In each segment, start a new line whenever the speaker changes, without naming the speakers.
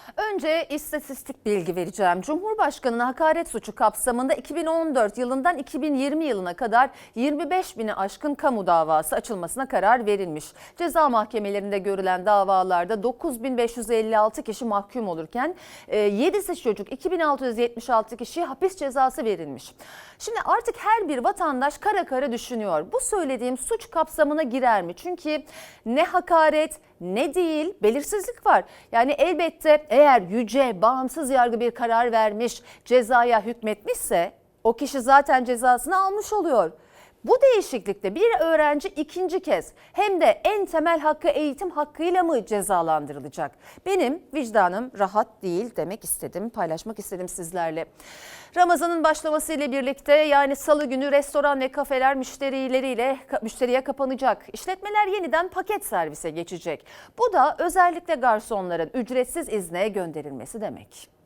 Önce istatistik bilgi vereceğim. Cumhurbaşkanına hakaret suçu kapsamında 2014 yılından 2020 yılına kadar 25 bini aşkın kamu davası açılmasına karar verilmiş. Ceza mahkemelerinde görülen davalarda 9.556 kişi mahkum olurken 7'si çocuk, 2.676 kişiye hapis cezası verilmiş. Şimdi artık her bir vatandaş kara kara düşünüyor. Bu söylediğim suç kapsamına girer mi? Çünkü ne hakaret ne değil, belirsizlik var. Yani elbette eğer yüce, bağımsız yargı bir karar vermiş, cezaya hükmetmişse o kişi zaten cezasını almış oluyor. Bu değişiklikte bir öğrenci ikinci kez hem de en temel hakkı eğitim hakkıyla mı cezalandırılacak? Benim vicdanım rahat değil demek istedim, paylaşmak istedim sizlerle. Ramazan'ın başlamasıyla birlikte yani salı günü restoran ve kafeler müşteriye kapanacak. İşletmeler yeniden paket servise geçecek. Bu da özellikle garsonların ücretsiz izne gönderilmesi demek.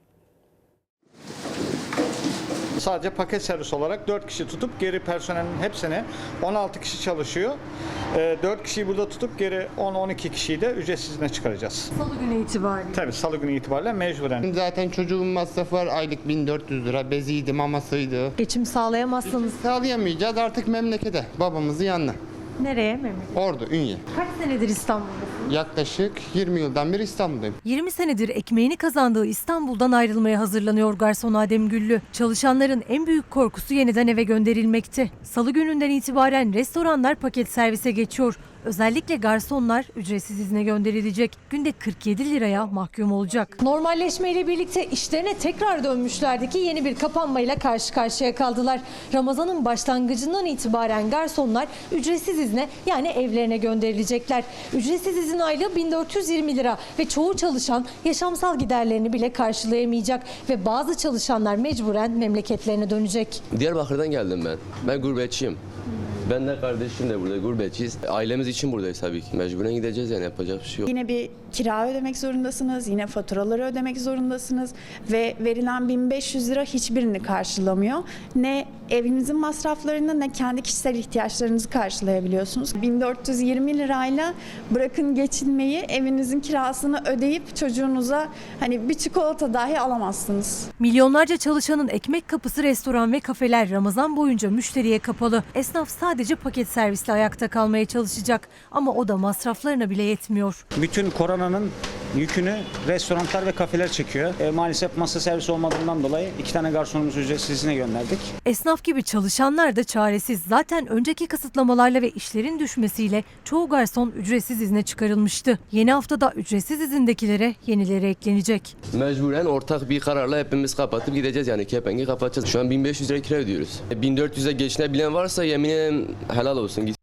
Sadece paket servis olarak 4 kişi tutup geri personelin hepsini 16 kişi çalışıyor. 4 kişiyi burada tutup geri 10-12 kişiyi de ücretsiz izne çıkaracağız.
Salı günü itibariyle.
Tabii salı günü itibariyle mecburen.
Zaten çocuğun masrafı var, aylık 1400 lira, beziydi, mamasıydı.
Geçim sağlayamazsanız
Sağlayamayacağız artık memlekete, babamızın yanına.
nereye memleket?
Ordu, Ünye.
Kaç senedir İstanbul'dasınız?
Yaklaşık 20 yıldan beri İstanbul'dayım.
20 senedir ekmeğini kazandığı İstanbul'dan ayrılmaya hazırlanıyor garson Adem Güllü. Çalışanların en büyük korkusu yeniden eve gönderilmekti. Salı gününden itibaren restoranlar paket servise geçiyor. Özellikle garsonlar ücretsiz izne gönderilecek. Günde 47 liraya mahkum olacak.
Normalleşmeyle birlikte işlerine tekrar dönmüşlerdi ki yeni bir kapanmayla karşı karşıya kaldılar. Ramazan'ın başlangıcından itibaren garsonlar ücretsiz izne yani evlerine gönderilecekler. Ücretsiz izin aylığı 1420 lira ve çoğu çalışan yaşamsal giderlerini bile karşılayamayacak ve bazı çalışanlar mecburen memleketlerine dönecek.
Diyarbakır'dan geldim ben. Ben gurbetçiyim. Ben de kardeşim de burada gurbetçiyiz. Ailemiz için buradayız tabii ki. Mecburen gideceğiz yani yapacak bir şey yok.
Yine bir kira ödemek zorundasınız, yine faturaları ödemek zorundasınız ve verilen 1500 lira hiçbirini karşılamıyor. Ne evinizin masraflarını ne kendi kişisel ihtiyaçlarınızı karşılayabiliyorsunuz. 1420 lirayla bırakın geçinmeyi, evinizin kirasını ödeyip çocuğunuza hani bir çikolata dahi alamazsınız.
Milyonlarca çalışanın ekmek kapısı restoran ve kafeler Ramazan boyunca müşteriye kapalı. Esnaf sadece paket servisle ayakta kalmaya çalışacak ama o da masraflarına bile yetmiyor.
Bütün koronanın yükünü restoranlar ve kafeler çekiyor. Maalesef masa servisi olmadığından dolayı 2 tane garsonumuzu ücretsiz izne gönderdik.
Esnaf gibi çalışanlar da çaresiz. Zaten önceki kısıtlamalarla ve işlerin düşmesiyle çoğu garson ücretsiz izne çıkarılmıştı. Yeni haftada ücretsiz izindekilere yenileri eklenecek.
Mecburen ortak bir kararla hepimiz kapatıp gideceğiz yani kepengi kapatacağız. Şu an 1500 lira kira ödüyoruz. 1400'e geçinebilen varsa yemin ederim helal olsun.